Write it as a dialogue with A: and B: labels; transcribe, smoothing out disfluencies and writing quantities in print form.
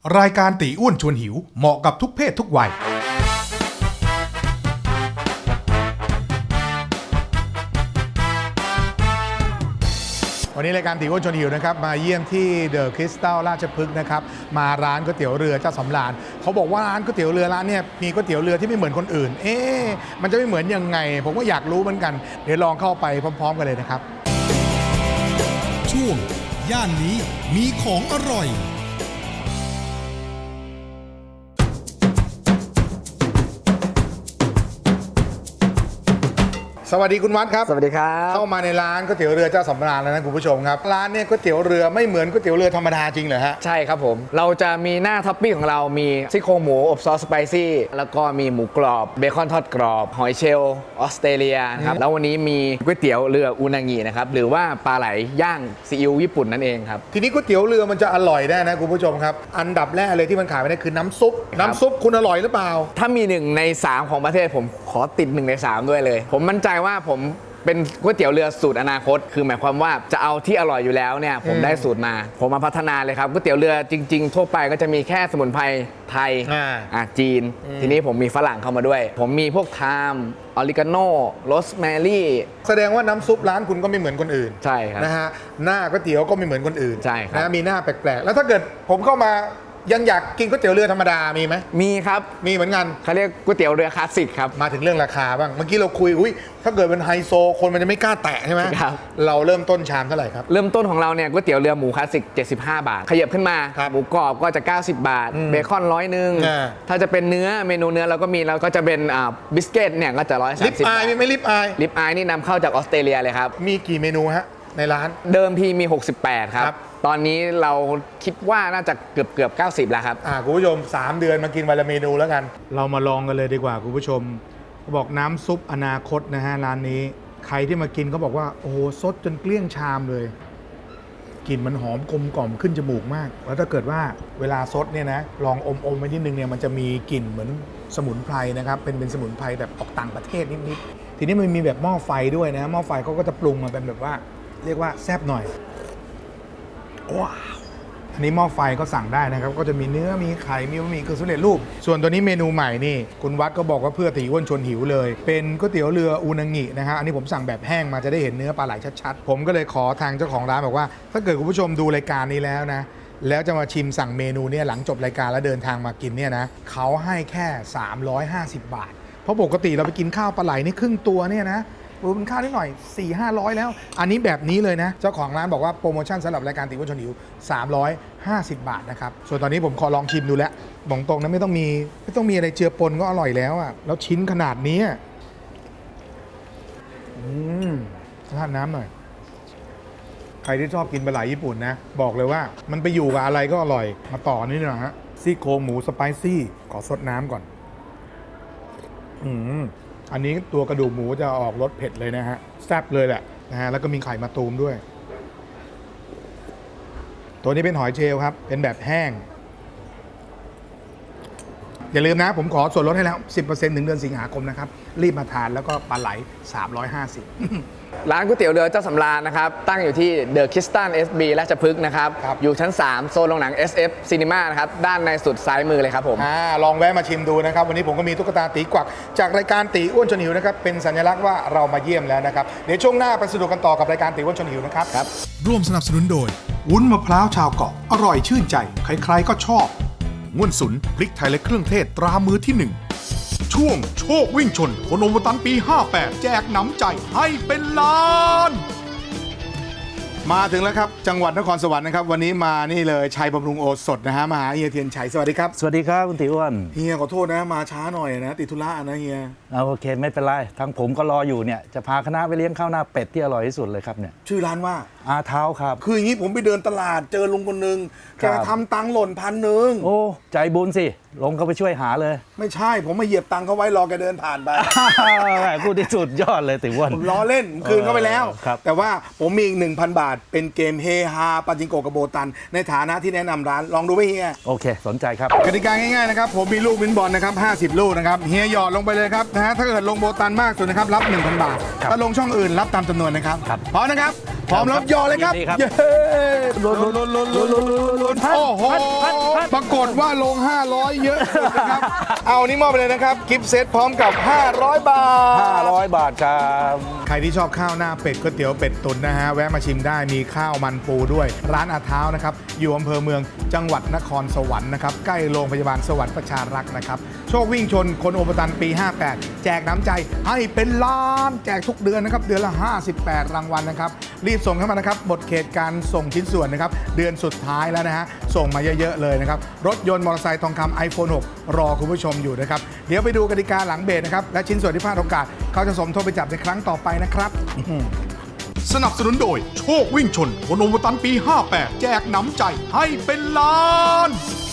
A: รายการตีอ้วนชวนหิวเหมาะกับทุกเพศทุกวัยวันนี้รายการตีอ้วนชวนหิวนะครับมาเยี่ยมที่เดอะคริสตัลราชพฤกษ์นะครับมาร้านก๋วยเตี๋ยวเรือเจ้าสำราญเขาบอกว่าร้านก๋วยเตี๋ยวเรือร้านเนี่ยมีก๋วยเตี๋ยวเรือที่ไม่เหมือนคนอื่นมันจะไม่เหมือนยังไงผมก็อยากรู้เหมือนกันเดี๋ยวลองเข้าไปพร้อมๆกันเลยนะครับช่วงย่านนี้มีของอร่อยสวัสดีคุณวัดครับ
B: สวัสดีครับ
A: เข้ามาในร้านก๋วยเตี๋ยวเรือเจ้าสำราญแล้วนะคุณผู้ชมครับร้านเนี่ยก๋วยเตี๋ยวเรือไม่เหมือนก๋วยเตี๋ยวเรือธรรมดาจริงเหรอฮะ
B: ใช่ครับผมเราจะมีหน้าท็อปปิ้งของเรามีซี่โครงหมูอบซอสสไปซี่แล้วก็มีหมูกรอบเบคอนทอดกรอบหอยเชลล์ออสเตรเลียนะครับแล้ววันนี้มีก๋วยเตี๋ยวเรืออูนางินะครับหรือว่าปลาไหลย่างซีอิ๊วญี่ปุ่นนั่นเองครับ
A: ทีนี้ก๋วยเตี๋ยวเรือมันจะอร่อยได้นะคุณผู้ชมครับอันดับแรกเลยที่มันขายไม่ได้คือน้ำซุปคุณอร่อยหรือเปล่า
B: ถ้ามี1 ใน 3ของประเทศผมขอติด1 ใน 3ด้วยเลยผมมั่นใจว่าผมเป็นก๋วยเตี๋ยวเรือสูตรอนาคตคือหมายความว่าจะเอาที่อร่อยอยู่แล้วเนี่ยผมได้สูตรมาผมมาพัฒนาเลยครับก๋วยเตี๋ยวเรือจริงๆทั่วไปก็จะมีแค่สมุนไพรไทยจีนทีนี้ผมมีฝรั่งเข้ามาด้วยผมมีพวกไทม์ออริกาโน่โรสแมรี่
A: แสดงว่าน้ำซุปร้านคุณก็ไม่เหมือนคนอื่น
B: ใช่ครับ
A: นะฮะหน้าก๋วยเตี๋ยวก็ไม่เหมือนคนอื่น
B: ใช่ครับ
A: นะมีหน้าแปลกๆแล้วถ้าเกิดผมเข้ามายังอยากกินก๋วยเตี๋ยวเรือธรรมดามีไหม
B: มีครับ
A: มีเหมือนกัน
B: เขาเรียกก๋วยเตี๋ยวเรือคลาสสิกครับ
A: มาถึงเรื่องราคาบ้างเมื่อกี้เราคุยถ้าเกิดเป็นไฮโซคนมันจะไม่กล้าแตะใช่ไหม
B: ครับ
A: เราเริ่มต้นชามเท่าไหร่ครับ
B: เริ่มต้นของเราเนี่ยก๋วยเตี๋ยวเรือหมูคลาสสิก75 บาทขยับขึ้นมาหมูกรอบก็จะ90 บาทเบคอน100ถ้าจะเป็นเนื้อเมนูเนื้อเราก็มีเราก็จะเป็นบิสเกตเนี่ยก็จะ130
A: ลิปอายไม่ลิปอาย
B: ลิปอายนี่นำเข้าจากออสเตรเลียเลยครับ
A: มีกี่เมนูฮะในร้าน
B: เดิมทีมี68ครับตอนนี้เราคิดว่าน่าจะเกือบ90แล้วครับ
A: คุณผู้ชม3 เดือนมากินวันละเมนูแล้วกันเรามาลองกันเลยดีกว่าคุณผู้ชมบอกน้ำซุปอนาคตนะฮะร้านนี้ใครที่มากินเขาบอกว่าโอ้โหซดจนเกลี้ยงชามเลยกลิ่นมันหอมกลมกล่อมขึ้นจมูกมากแล้วถ้าเกิดว่าเวลาซดเนี่ยนะลองอมไปนิดนึงเนี่ยมันจะมีกลิ่นเหมือนสมุนไพรนะครับเป็นสมุนไพรแบบออกต่างประเทศนิดๆทีนี้มันมีแบบหม้อไฟด้วยนะหม้อไฟเขาก็จะปรุงมาเป็นแบบว่าเรียกว่าแซ่บหน่อยว้าวอันนี้หม้อไฟก็สั่งได้นะครับก็จะมีเนื้อมีไข่มีบะหมี่กึ่งสำเร็จรูปส่วนตัวนี้เมนูใหม่นี่คุณวัดก็บอกว่าเพื่อตีอ้วนชวนหิวเลยเป็นก๋วยเตี๋ยวเรืออูนางินะฮะอันนี้ผมสั่งแบบแห้งมาจะได้เห็นเนื้อปลาไหลชัดๆผมก็เลยขอทางเจ้าของร้านบอกว่าถ้าเกิดคุณผู้ชมดูรายการนี้แล้วนะแล้วจะมาชิมสั่งเมนูเนี่ยหลังจบรายการแล้วเดินทางมากินเนี่ยนะเขาให้แค่350 บาทเพราะปกติเราไปกินข้าวปลาไหลนี่ครึ่งตัวเนี่ยนะเป็นค่านิดหน่อย 400-500 แล้วอันนี้แบบนี้เลยนะเจ้าของร้านบอกว่าโปรโมชั่นสำหรับรายการตีอ้วนชวนหิว350 บาทนะครับส่วนตอนนี้ผมขอลองชิมดูแล้วบอกตรงนะไม่ต้องมีอะไรเจือปนก็อร่อยแล้วอ่ะแล้วชิ้นขนาดนี้ทานน้ำหน่อยใครที่ชอบกินปลาไหลญี่ปุ่นนะบอกเลยว่ามันไปอยู่กับอะไรก็อร่อยมาต่อนี่หน่อยฮะซี่โครงหมูสไปซี่ขอซดน้ำก่อนอันนี้ตัวกระดูกหมูจะออกรสเผ็ดเลยนะฮะแซ่บเลยแหละนะฮะแล้วก็มีไข่มะตูมด้วยตัวนี้เป็นหอยเชลล์ครับเป็นแบบแห้งอย่าลืมนะผมขอส่วนลดให้แล้ว 10% ถึงเดือนสิงหาคมนะครับรีบมาทานแล้วก็ปลาไหล350
B: ร้านก๋วยเตี๋ยวเรือเจ้าสำราญนะครับตั้งอยู่ที่เดอะคริสตัล SB ราชพฤกษ์นะครับอยู่ชั้น3โซนโรงหนัง SF Cinema นะครับด้านในสุดซ้ายมือเลยครับผม
A: ลองแวะมาชิมดูนะครับวันนี้ผมก็มีตุ๊กตาตีกวักจากรายการตีอ้วนชวนหิวนะครับเป็นสัญลักษณ์ว่าเรามาเยี่ยมแล้วนะครับเดี๋ยวช่วงหน้าไปสนุกกันต่อกับรายการตีอ้วนชวนหิวนะครับร่วมสนับสนุนโดยวุ้นมะพร้าวชาวเกาะอร่อยชื่นใจใครๆก็ชอบง่วนสุนพริกไทยและเครื่องเทศตรามือที่1ช่วงโชควิ่งชนโคโนโมตันปี58แจกหนำใจให้เป็นล้านมาถึงแล้วครับจังหวัดนครสวรรค์นะครับวันนี้มานี่เลยชัยบำรุงโอสถนะฮะมาหาเฮียเทียนชัยสวัสดีครับ
C: สวัสดีครับคุณติอ้วน
A: เฮียขอโทษนะมาช้าหน่อยนะติดธุระนะเฮีย
C: โอเคไม่เป็นไรทางผมก็รออยู่เนี่ยจะพาคณะไปเลี้ยงข้าวหน้าเป็ดที่อร่อยที่สุดเลยครับเนี่ย
A: ชื่อร้านว่า
C: อาเท้าครับ
A: คืออย่างนี้ผมไปเดินตลาดเจอลุงคนนึงแกทำตังหล่น1,000
C: โอ้ใจบุญสิลงเขาไปช่วยหาเลย
A: ไม่ใช่ผมมาเหยียบตังเขาไว้รอแกเดินผ่านไป
C: พูดที่สุดยอดเลยติอ้วน
A: ผมล้อเล่นคืนเขาไปแล้วแต่ว่าผมมีอีก 1,000 บาทเป็นเกมเฮฮาปาจิงโกกับโบตันในฐานะที่แนะนำร้านลองดูไหมเฮีย
C: โอเคสนใจครับ
A: กติกาง่ายๆนะครับผมมีลูกวินบอลนะครับ50 ลูกนะครับเฮียหยอดลงไปเลยครับนะฮะถ้าเกิดลงโบตันมากสุดนะครับรับ 1,000 บาทถ้าลงช่องอื่นรับตามจำนวนนะครับพร้อมนะครับพร้อมแล้วย่อเลยครับ
C: ยินดีครับ
A: เย้โอ้โหปรากฏว่าลง 500 เยอะสุดนะครับ เอานี่มอบไปเลยนะครับกิฟต์เซตพร้อมกับ 500 บาท
C: 500 บาทครับ
A: ใครที่ชอบข้าวหน้าเป็ดก๋วยเตี๋ยวเป็ดตุ๋นนะฮะแวะมาชิมได้มีข้าวมันปูด้วยร้านอาเท้านะครับอยู่อำเภอเมืองจังหวัดนครสวรรค์นะครับใกล้โรงพยาบาลสวรรค์ประชารักษ์นะครับโชควิ่งชนคนโอปตันปี 58 แจกน้ำใจให้เป็นล้านแจกทุกเดือนนะครับเดือนละ 58 รางวัลนะครับรีบส่งเข้ามานะครับหมดเขตการส่งชิ้นส่วนนะครับเดือนสุดท้ายแล้วนะฮะส่งมาเยอะๆเลยนะครับรถยนต์มอเตอร์ไซค์ทองคำ iPhone 6 รอคุณผู้ชมอยู่นะครับเดี๋ยวไปดูกติกาหลังเบรกนะครับและชิ้นส่วนที่พลาดโอกาสเขาจะสมทบไปจับในครั้งต่อไปนะครับ สนับสนุนโดยโชควิ่งชนคนโอมตันปี 58 แจกหนำใจให้เป็นล้าน